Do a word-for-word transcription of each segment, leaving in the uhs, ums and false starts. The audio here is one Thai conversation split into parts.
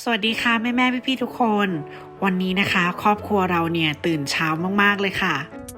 สวัสดีค่ะแม่แม่พี่พี่ทุกคนวันนี้นะคะครอบครัวเราเนี่ยตื่นเช้ามากๆเลยค่ะ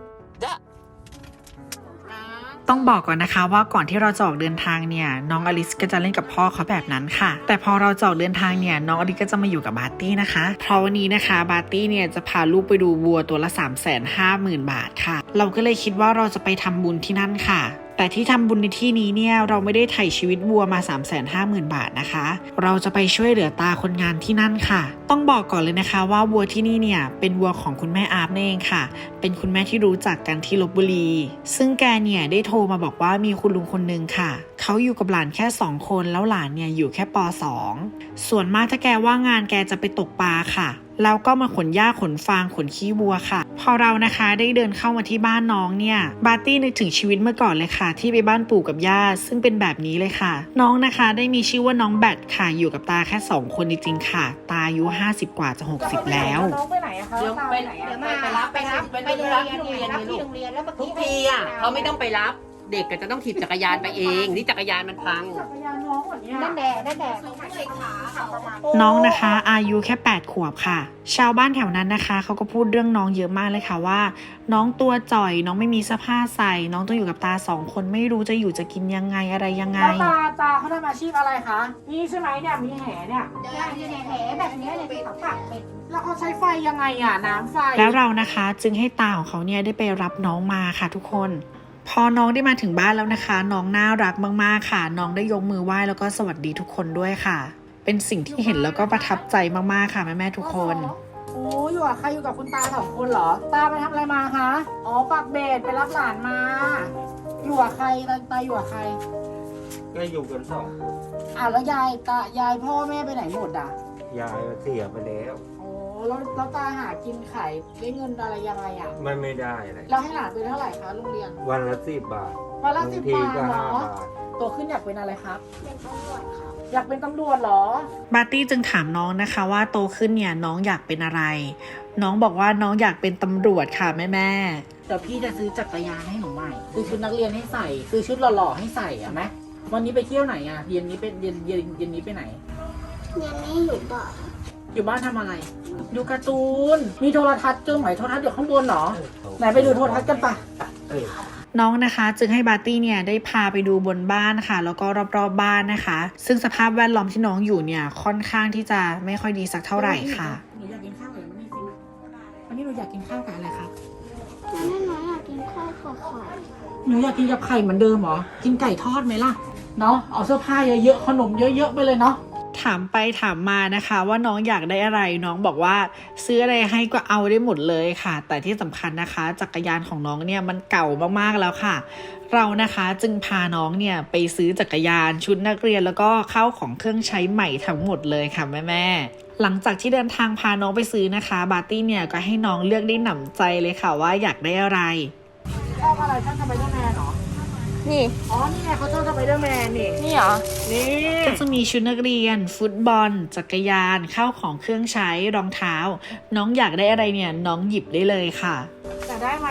ต้องบอกก่อนนะคะว่าก่อนที่เราจะออกเดินทางเนี่ยน้องอลิสก็จะเล่นกับพ่อเขาแบบนั้นค่ะแต่พอเราจะออกเดินทางเนี่ยน้องอลิสก็จะมาอยู่กับบาร์ตี้นะคะเพราะวันนี้นะคะบาร์ตี้เนี่ยจะพาลูกไปดูวัวตัวละ สามแสนห้าหมื่น บาทค่ะเราก็เลยคิดว่าเราจะไปทำบุญที่นั่นค่ะแต่ที่ทำบุญในที่นี้เนี่ยเราไม่ได้ไถ่ชีวิตวัวมา สามแสนห้าหมื่น บาทนะคะเราจะไปช่วยเหลือตาคนงานที่นั่นค่ะต้องบอกก่อนเลยนะคะว่าวัวที่นี่เนี่ยเป็นวัวของคุณแม่อาร์ฟนั่นเองค่ะเป็นคุณแม่ที่รู้จักกันที่ลพบุรีซึ่งแกเนี่ยได้โทรมาบอกว่ามีคุณลุงคนนึงค่ะเขาอยู่กับหลานแค่สองคนแล้วหลานเนี่ยอยู่แค่ป สอง ส่วนมากถ้าแกว่างงานแกจะไปตกปลาค่ะแล้วก็มาขนหญ้าขนฟางขนขี้วัวค่ะพอเรานะคะได้เดินเข้ามาที่บ้านน้องเนี่ยบาร์ตี้นึกถึงชีวิตเมื่อก่อนเลยค่ะที่ไปบ้านปู่กับย่าซึ่งเป็นแบบนี้เลยค่ะน้องนะคะได้มีชื่อว่าน้องแบทค่ะอยู่กับตาแค่สองคนจริงๆค่ะตาอายุห้าสิบกว่าจะหกสิบแล้วน้องไปไหนอะคะเดี๋ยวไปไหนอะไปรับไปรับไปรับที่โรงเรียนนี่ลูกทุกทีอ่ะเขาไม่ต้องไปรับเด็กก็จะต้องถีบจักรยานไปเองนี่จักรยานมันพังจักรยานน้องเหรอเนี่ยนั่นแดดนั่นแดดน้องนะคะอายุแค่แปดขวบค่ะชาวบ้านแถวนั้นนะคะเขาก็พูดเรื่องน้องเยอะมากเลยค่ะว่าน้องตัวจ่อยน้องไม่มีเสื้อผ้าใส่น้องต้องอยู่กับตาสองคนไม่รู้จะอยู่จะกินยังไงอะไรยังไงแล้วตาตาเขาทำอาชีพอะไรคะนี่ใช่ไหมเนี่ยมีแหเนี่ยเนี่ยเนี่ยแหแบบเนี้ยเนี่ยที่เขาปักเป็นแล้วเขาใช้ไฟยังไงอะน้ำไฟแล้วเรานะคะจึงให้ตาของเขาเนี่ยได้ไปรับน้องมาค่ะทุกคนพอน้องได้มาถึงบ้านแล้วนะคะน้องน่ารักมากๆค่ะน้องได้ยกมือไหว้แล้วก็สวัสดีทุกคนด้วยค่ะเป็นสิ่งที่เห็นแล้วก็ประทับใจมากๆค่ะแม่ๆทุกคนโอ้อยู่กับใครอยู่กับคุณตาสองคนเหรอตาไปทำอะไรมาคะอ๋อปักเบสไปรับหลานมาอยู่กับใครตาตาอยู่กับใครก็อยู่กันสองคนอ่ะแล้วยายตายายพ่อแม่ไปไหนหมดอ่ะยายเสียไปแล้วโอ้แล้วแล้วตาหากินไข่ได้เงินอะไรยังไงอ่ะไม่ไม่ได้อะไรเราให้หลานไปเท่าไหร่คะโรงเรียนวันละสิบบาทวันละบางสิบทีบาทก็เหรห้าอบาทโตขึ้นอยากเป็นอะไรครับเป็นตำรวจค่ะอยากเป็นตำรวจเหรอบาร์ตี้จึงถามน้องนะคะว่าโตขึ้นเนี่ยน้องอยากเป็นอะไรน้องบอกว่าน้องอยากเป็นตำรวจค่ะแม่แม่เดี๋ยวพี่จะซื้อจักรยานให้หนูใหม่ซื้อชุดนักเรียนให้ใส่ซื้อชุดหล่อๆให้ใส่อะไหมวันนี้ไปเที่ยวไหนอะเย็นนี้เป็นเย็นเย็นเย็นนี้ไปไหนเรียนไม่อยู่บ่ออยู่บ้านทำอะไร ดูการ์ตูนมีโทรทัศน์เจอไหมโทรทัศน์อยู่ข้างบนเหรอไหนไปดูโทรทัศน์กันปะเออน้องนะคะจึงให้บาร์ตี้เนี่ยได้พาไปดูบนบ้านค่ะแล้วก็รอบๆ บ้านนะคะ ซึ่งสภาพแวดล้อมที่น้องอยู่เนี่ยค่อนข้างที่จะไม่ค่อยดีสักเท่าไหร่ค่ะหนูอยากกินข้าวอะไรมันนี่สิวันนี้หนูอยากกินข้าวกับอะไรครับแล้วแม่น้อยอยากกินข้าวกับไข่หนูอยากกินกับไข่เหมือนเดิมเหรอกินไก่ทอดไหมล่ะเนาะเอาเสื้อผ้าเยอะๆขนมเยอะๆไปเลยเนาะถามไปถามมานะคะว่าน้องอยากได้อะไรน้องบอกว่าซื้ออะไรให้ก็เอาได้หมดเลยค่ะแต่ที่สำคัญนะคะจักรยานของน้องเนี่ยมันเก่ามากๆแล้วค่ะเรานะคะจึงพาน้องเนี่ยไปซื้อจักรยานชุดนักเรียนแล้วก็ข้าวของเครื่องใช้ใหม่ทั้งหมดเลยค่ะแม่แม่หลังจากที่เดินทางพาน้องไปซื้อนะคะบาร์ตี้เนี่ยก็ให้น้องเลือกได้หนำใจเลยค่ะว่าอยากได้อะไรชอบอะไรชอบสไปเดอร์แมนเหรอนี่อ๋อนี่ไงเขาชอบสไปเดอร์แมนนี่นี่เหรอนี่ก็จะมีชุดนักเรียนฟุตบอลจักรยานข้าวของเครื่องใช้รองเท้าน้องอยากได้อะไรเนี่ยน้องหยิบได้เลยค่ะอยากได้ไหม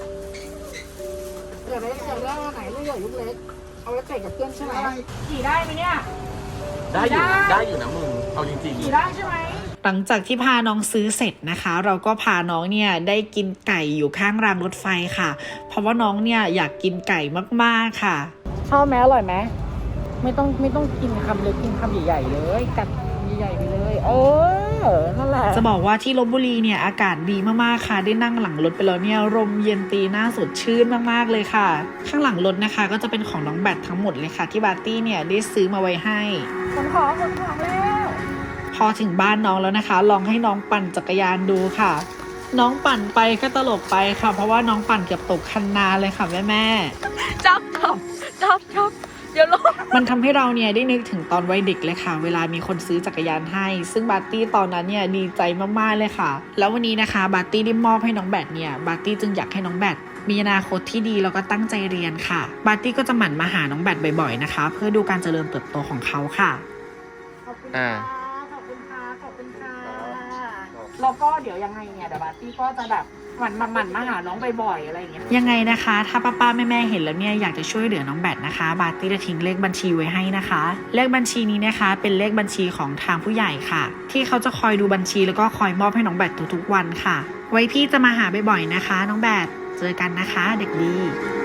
อยากได้อยากได้อันไหนลูกใหญ่ลูกเล็กเอาไว้ใส่กับเพื่อนใช่ไหมขี่ได้ไหมเนี่ยได้อยู่ได้ได้อยู่นะมึงเอาจริงขี่ได้ใช่ไหมหลังจากที่พาน้องซื้อเสร็จนะคะ เราก็พาน้องเนี่ยได้กินไก่อยู่ข้างรางรถไฟค่ะ เพราะว่าน้องเนี่ยอยากกินไก่มากๆค่ะชอบไหมอร่อยไหมไม่ต้องไม่ต้องกินคำเล็กกินคำใหญ่ๆเลยกัดใหญ่ๆไปเลยเออนั่นแหละจะบอกว่าที่ลพบุรีเนี่ยอากาศดีมากๆค่ะได้นั่งหลังรถไปแล้วเนี่ยลมเย็นตีหน้าสดชื่นมากๆเลยค่ะ ข้างหลังรถนะคะก็จะเป็นของน้องแบททั้งหมดเลยค่ะที่บาร์ตี้เนี่ยได้ซื้อมาไว้ให้ขนของขนของแล้วพอถึงบ้านน้องแล้วนะคะ ลองให้น้องปั่นจักรยานดูค่ะ น้องปั่นไปก็ตลกไปค่ะ เพราะว่าน้องปั่นเกือบตกคันนาเลยค่ะแม่แม่จับจับจับจับเดี๋ยวลงมันทำให้เราเนี่ยได้นึกถึงตอนวัยเด็กเลยค่ะ เวลามีคนซื้อจักรยานให้ ซึ่งบาร์ตี้ตอนนั้นเนี่ยดีใจมากๆเลยค่ะ แล้ววันนี้นะคะบาร์ตี้ได้มอบให้น้องแบทเนี่ยบาร์ตี้จึงอยากให้น้องแบทมีอนาคตที่ดีแล้วก็ตั้งใจเรียนค่ะบาร์ตี้ก็จะหมั่นมาหาน้องแบทบ่อยๆนะคะ เพื่อดูการเจริญเติบโตของเขาค่ะขอบคุณอ่าค่ะขอบคุณค่ะขอบคุณค่ะแล้วก็เดี๋ยวยังไงเนี่ยเดี๋ยวบาร์ตี้ก็จะแบบหมันมาหมันมาหาน้องบ่อยๆอะไรอย่างเงี้ยยังไงนะคะ ถ้าป้าป้าแม่แม่ๆเห็นแล้วเนี่ยอยากจะช่วยเหลือน้องแบทนะคะ บาร์ตี้จะทิ้งเลขบัญชีไว้ให้นะคะ เลขบัญชีนี้นะคะเป็นเลขบัญชีของทางผู้ใหญ่ค่ะ ที่เขาจะคอยดูบัญชีแล้วก็คอยมอบให้น้องแบททุกๆวันค่ะ ไว้พี่จะมาหาบ่อยๆนะคะ น้องแบทเจอกันนะคะเด็กดี